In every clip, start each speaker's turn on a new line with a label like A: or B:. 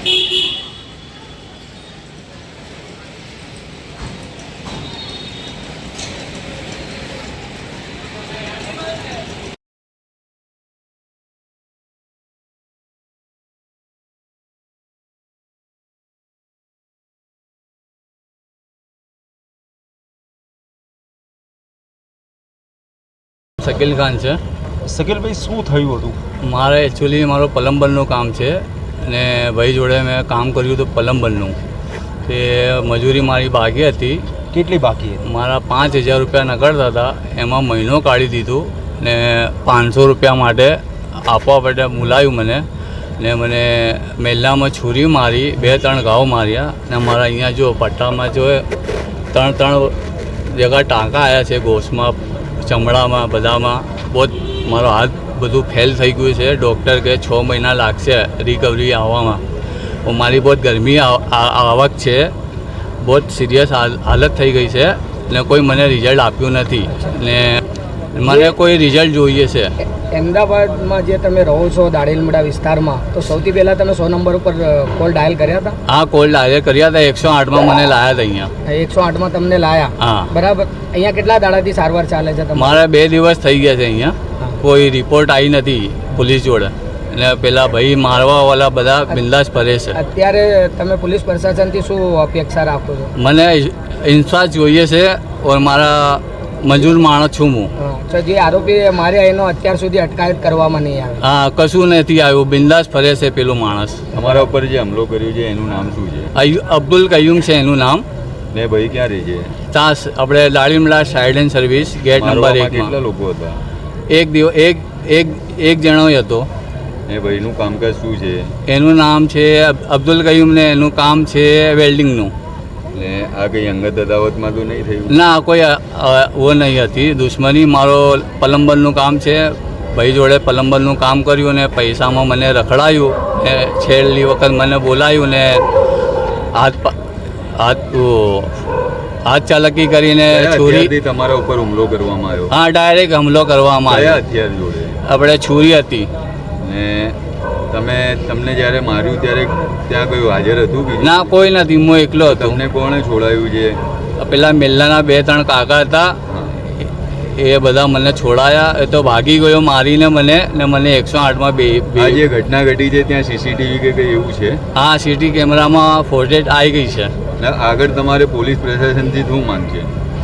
A: શકીલ ખાન છે.
B: શકીલભાઈ, શું થયું હતું?
A: મારે એકચ્યુઅલી મારું પ્લમ્બરનું કામ છે અને ભાઈ જોડે મેં કામ કર્યું હતું પ્લમ્બરનું. તે મજૂરી મારી બાકી હતી.
B: કેટલી બાકી હતી?
A: મારા 5,000 રૂપિયા નકળતા હતા, એમાં મહિનો કાઢી દીધું ને 500 રૂપિયા માટે આપવા માટે બોલાવ્યું મને ને મને મેલ્લામાં છુરી મારી, 2-3 ઘાવ માર્યા ને મારા અહીંયા જો પટ્ટામાં જો 3 જગા ટાંકા આવ્યા છે, ગોશમાં, ચમડામાં, બધામાં. બહુ મારો હાથ બધું ફેલ થઈ ગયું છે. ડૉક્ટર કે 6 મહિના લાગશે રિકવરી આવવામાં. મારી બહુ ગરમી આવક છે, બહુ સિરિયસ હાલત થઈ ગઈ છે ને કોઈ મને રિઝલ્ટ આપ્યું નથી ને મને કોઈ રિઝલ્ટ જોઈએ છે.
C: અમદાવાદમાં જે તમે રહો છો દાણીલીમડા વિસ્તારમાં, તો સૌથી પહેલાં તમે 100 નંબર ઉપર કોલ ડાયલ કર્યા હતા?
A: હા, કોલ ડાયલ કર્યા હતા. 108માં મને લાયા હતા અહીંયા.
C: 108માં તમને લાયા? હા, બરાબર. અહીંયા કેટલા દાડાથી સારવાર ચાલે છે તમારે?
A: મારે 2 દિવસ થઈ ગયા છે અહીંયા. કોઈ રિપોર્ટ આવી નથી પોલીસ જોડે અને પેલા ભાઈ મારવાવાળા બધા બિંદાસ ફરે છે.
C: અત્યારે તમે પોલીસ પ્રશાસનથી શું અપેક્ષા રાખો છો?
A: મને ઇન્સાફ જોઈએ છે ઓર મારા મજૂર માણસ છું હું.
C: તો જે આરોપી માર્યા એનો અત્યાર સુધી અટકાયત કરવામાં નહીં આવે?
A: હા, કશું નથી આવ્યું, બિંદાસ ફરે છે પેલો માણસ.
D: તમારા ઉપર જે હુમલો કર્યો છે એનું નામ શું છે?
A: અબ્દુલ કયુમ છે એનું નામ.
D: ને ભાઈ ક્યાં રહે છે?
A: ત્યાં આપણે Danilimda side and service gate number 1 માં.
D: કેટલા લોકો હતા?
A: એક જણો હતો.
D: એ ભાઈનું કામકાજ શું છે?
A: એનું નામ છે અબ્દુલ કયુમ ને એનું કામ છે વેલ્ડિંગનું.
D: ને આ કઈ અંગત અદાવતમાં તો નહીં થયું?
A: ના, કોઈ વો નહીં હતી દુશ્મની. મારો પ્લમ્બરનું કામ છે, ભાઈ જોડે પ્લમ્બરનું કામ કર્યું ને પૈસામાં મને રખડાયું ને છેલ્લી વખત મને બોલાયું ને હાથ ચાલકી કરીને છોરી
D: તમારા ઉપર હુમલો કરવામાં આવ્યો?
A: હા, ડાયરેક્ટ હુમલો કરવામાં આવ્યો.
D: હથિયાર જોડે?
A: આપણે છુરી હતી.
D: ને તમને જ્યારે માર્યું ત્યારે ત્યાં કયું હાજર હતું?
A: ના, કોઈ નથી, હું એકલો હતો.
D: તમને કોણે છોડાયું છે?
A: પેલા મેલ્લાના 2-3 કાકા હતા, એ બધા મને છોડાયા. એ તો ભાગી ગયો મારીને મને ને મને 108માં
D: આ જે ઘટના ઘટી છે ત્યાં સીસીટીવી કે કંઈ એવું છે?
A: હા, સીટી કેમેરામાં ફોટેજ આવી ગઈ છે.
D: આગળ તમારે પોલીસ પ્રશાસનથી શું માંગ છે?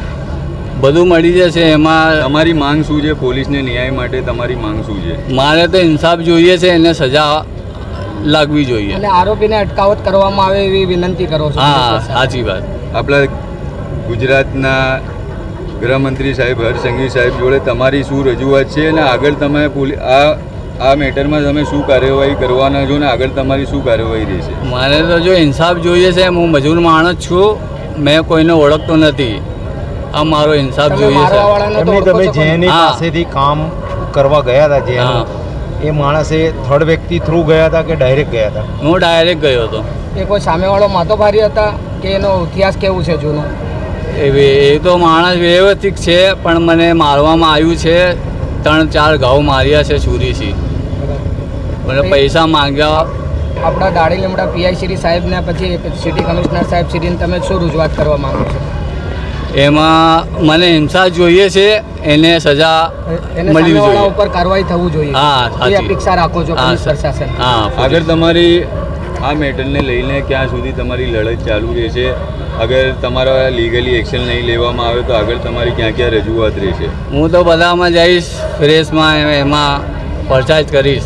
A: બધું મળી જશે. એમાં
D: તમારી માંગ શું છે? પોલીસને ન્યાય માટે તમારી માંગ શું છે?
A: મારે તો ઇન્સાફ જોઈએ છે, એને સજા લાગવી જોઈએ
C: અને આરોપીને અટકાવત કરવામાં આવે એવી વિનંતી કરો છો?
A: હા, સાચી વાત.
D: આપણા ગુજરાતના ગૃહમંત્રી સાહેબ હર્ષ સંઘવી સાહેબ જોડે તમારી શું રજૂઆત છે અને આગળ તમે આ મેટરમાં તમે શું કાર્યવાહી કરવાના છો ને આગળ તમારી શું કાર્યવાહી રહેશે?
A: મારે તો જો ઇન્સાફ જોઈએ છે. હું મજૂર માણસ છું, મેં કોઈને ઓળખતો નથી. આ મારો ઇન્સાફ જોઈએ છે.
B: તમે જેની પાસેથી કામ કરવા ગયા હતા, જે એ માણસે થર્ડ વ્યક્તિ થ્રુ ગયા હતા કે ડાયરેક્ટ ગયા હતા?
A: હું ડાયરેક્ટ ગયો હતો.
C: એ કોઈ સામેવાળો માતોભારી હતા કે એનો ઇતિહાસ કેવું છે જૂનો?
A: એ તો માણસ વ્યવસ્થિત છે, પણ મને મારવામાં આવ્યું છે. 3-4 ઘાવ માર્યા છે છુરીથી. મને પૈસા માંગ્યા.
C: આપણા દાણીલીમડા પીઆઈ શ્રી સાહેબને પછી સિટી કમિશનર સાહેબ શ્રીને તમે શું રજૂઆત કરવા માંગો છો?
A: એમાં મને ઇન્સાફ જોઈએ છે, એને સજા મળવી જોઈએ,
C: ઉપર કાર્યવાહી થવું જોઈએ.
A: હા,
C: એ અપેક્ષા રાખો છો પોલીસ પ્રશાસન?
A: હા.
D: આગળ તમારી આ મેટરને લઈને ક્યાં સુધી તમારી લડત ચાલુ રહેશે? અગર તમારા લીગલી એક્શન નહીં લેવામાં આવે તો આગળ તમારી ક્યાં ક્યાં રજૂઆત રહેશે?
A: હું તો બધામાં જઈશ, પ્રેસમાં, એમાં પરચાજ કરીશ.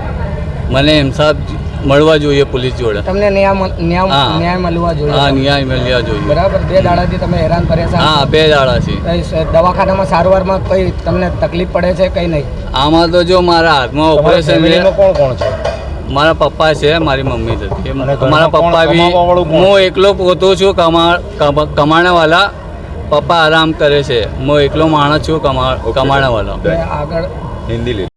A: મને ઇન્સાફ મળવા જોઈએ પોલીસ જોડે.
C: તમને ન્યાય મળવા જોઈએ?
A: હા, ન્યાય મળવા જોઈએ.
C: બરાબર. 2 દાડાથી તમે હેરાન પરેશાન?
A: હા, 2 દાડા છે.
C: દવાખાનામાં સારવારમાં કઈ તમને તકલીફ પડે છે? કઈ નહીં?
A: આમાં તો જો મારા હાથમાં ઓપરેશન છે.
B: કોણ કોણ છે?
A: મારા પપ્પા છે, મારી મમ્મી હતી. મારા પપ્પા બી, હું એકલો પોતો છું, કમાણેવાલા. પપ્પા આરામ કરે છે. હું એકલો માણસ છું, કમાણેવાલો.
C: આગળ
D: હિન્દી લે.